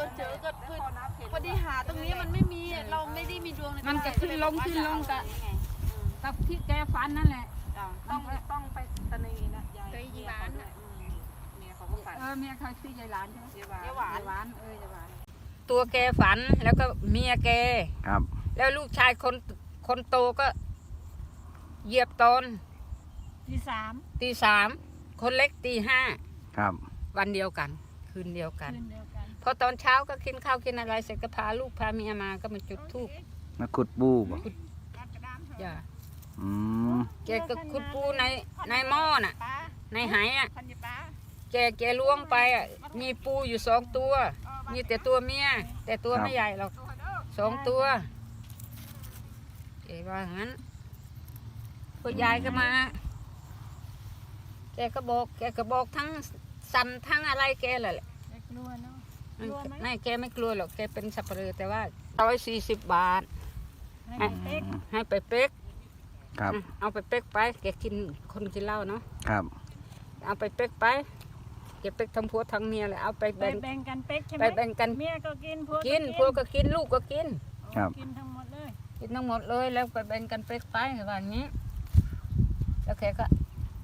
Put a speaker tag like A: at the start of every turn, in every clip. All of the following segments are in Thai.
A: ก็เจอก็คือพอดีหาตรงนี้มันไม่มีเราไม่ได้มีดวงใน
B: มันจะขึ้นลงกับที่แกฝันนั่นแหละ
A: ต้องไปตะนีนะยายเมียเขาเนี่ยเมียเขาก็ฝัน
B: เมียเขาชื่อยายหลานใช่ไหม
A: ยายหวาน
B: ยายหวานตัวแกฝันแล้วก็เมียแก
C: ครับ
B: แล้วลูกชายคนโตก็เหยียบตอนตีสามคนเล็กตีห้า
C: ครับ
B: วันเดียวกันคืนเดียวกันพอตอนเช้าก็กินข้าวกินอะไรเสร็จก็พาลูกพาเมียมาก็มาจุดธูป
C: มาขุดปูบ่
B: จ้ะ
C: อืม
B: แกก็ขุดปูในหม้อน่ะในไหอ่ะแกล้วงไปอ่ะมีปูอยู่2 ตัวมีแต่ตัวเมียแต่ตัวไม่ใหญ่หรอก2 ตัวแกว่างั้นพอยายก็มาแกก็บอกทั้งสันทั้งอะไรแกแหละไม่แกไม่กลัวหรอกแกเป็นสับปะเลอแต่ว่า140 บาทให้ไปเป๊ก
C: ครับ
B: เอาไปเป๊กไปแกกินคนกินเหล้าเนาะ
C: ครับ
B: เอาไปเป๊กไปแกเป๊กทั้งผัวทั้งเมียเลยเอาไปแบ่ง
A: กันเป๊กใช่ไหม
B: ไปแบ่งกัน
A: เมียก็กินผั
B: วก็กินลูกก็กิน
C: ครับ
A: กินทั้งหมดเลย
B: กินทั้งหมดเลยแล้วไปแบ่งกันเป๊กไปแบบนี้แล้วแกก็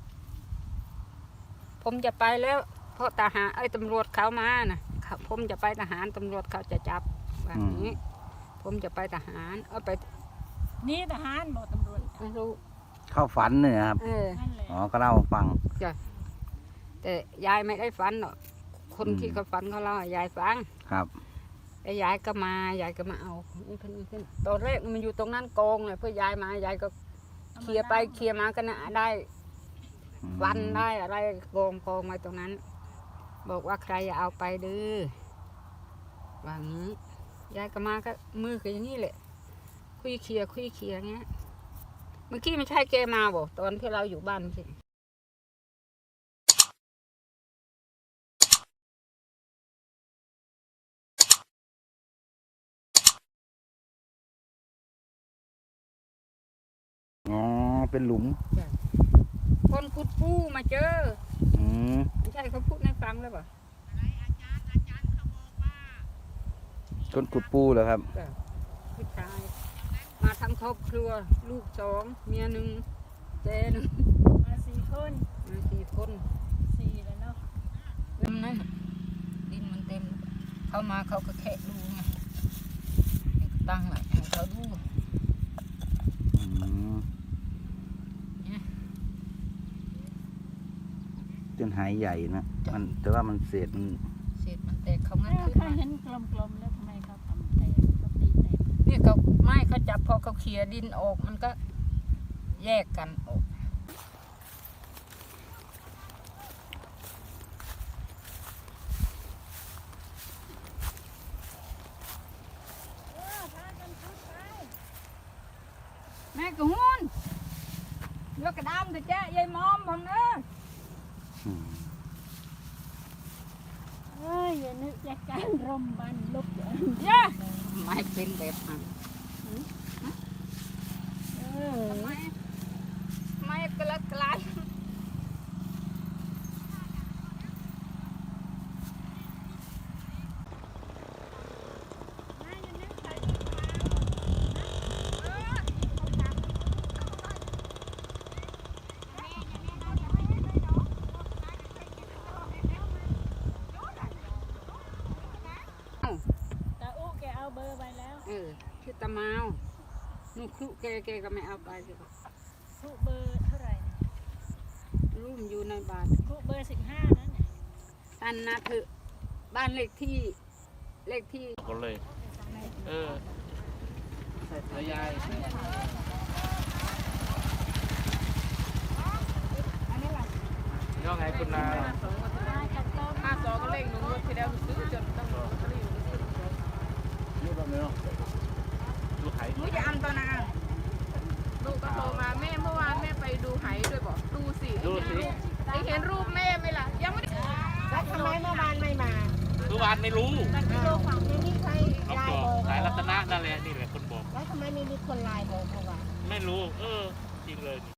B: ผมจะไปแล้วเพราะทหารตำรวจเขามานะผมจะไปทหารตำรวจเขาจะจับแบบนี้ผมจะไปทหารไป
A: นี่ทหารบอกตำรวจ
B: ไม่รู้
C: เข้าฝันเนี่ยครับอ๋อก็เล่าฟัง
B: จ้ะแต่ยายไม่ได้ฝันหรอกคนที่เขาฝันเขาเล่ายายฟัง
C: ครับ
B: แล้วยายก็มาเอานี่ขึ้นตอนแรกมันอยู่ตรงนั้นกองเลยเพื่อยายมายายก็เคลียร์ไปเคลียร์มาก็น่ะได้วันได้อะไรกองไว้ตรงนั้นบอกว่าใครอย่าเอาไปดื้อว่างี้ยายก็มาก็มือคืออย่างนี้แหละคุยเคลียร์เงี้ยเมื่อกี้ไม่ใช่แกมาบอกตอนที่เราอยู่บ้านสิ
C: อ๋อเป็นหลุม
B: คนขุดปูมาเจอไม่ใช่เขาพูดให้ฟังเลยป่ะ
C: คนขุดปูเหรอครับ
B: ผู้ชายมาทั้งครอบครัวลูก2เมีย1แก1
A: มา4 คน
B: 4 คน
A: แล้วเนาะ
B: นั่นดินมันเต็มเข้ามาเขาก็แค่ดูไงตั้งหลักเขาดู
C: จนหายใหญ่นะมันแต่ว่ามันเศษ
B: มันแตกเขางั้นขึ้นมา
A: เห็นกลมๆแล้วทำไมเขาทำแตกเขาตีแตก
B: นี่เขาไม่เขาจับพอเขาเขี่ยดินออกมันก็แยกกันออกแม่กหุ่นยกกระดามเถอะจ้ายายมอมผมเนอะ
A: อย่านึกจะการรมบันลุก
B: ไม่เป็นแบบนั้นไม่กระกลาย
A: เบอร์ไปแล้ว
B: ชื่อตะมาวนุ่ครุแกก็ไม่เอาไปเลย
A: ครุเบอร์เท่าไหร่
B: รุ่มอยู่ในบาท
A: ครุเบอร์15นั่น
B: ตันนะเถอะบ้านเลขที่
D: ก็เลยแล้วยายย่อไงคุณนา
A: 52ก็เลขหนูที่แล้วซื้อจนต้อง
D: ลูกไข่
A: หนูจะอันตนาลูกก็โทรมาแม่เมื่อวานแม่ไปดูไหด้วยบอกดูสิได้เห็นรูปแม่ไหมล่ะยังไม่ได้แล้วทำไมเมื่อวานไม่มา
D: เมื่อวานไม่รู้
A: แต่กิโลฝั่งนี้มีใครไลน์บอก
D: สายรัตนะนั่นแหละนี่แหละคนบอก
A: แล้วทำไมไม่มีคนไลน์บอกเมื่อวาน
D: ไม่รู้จริงเลย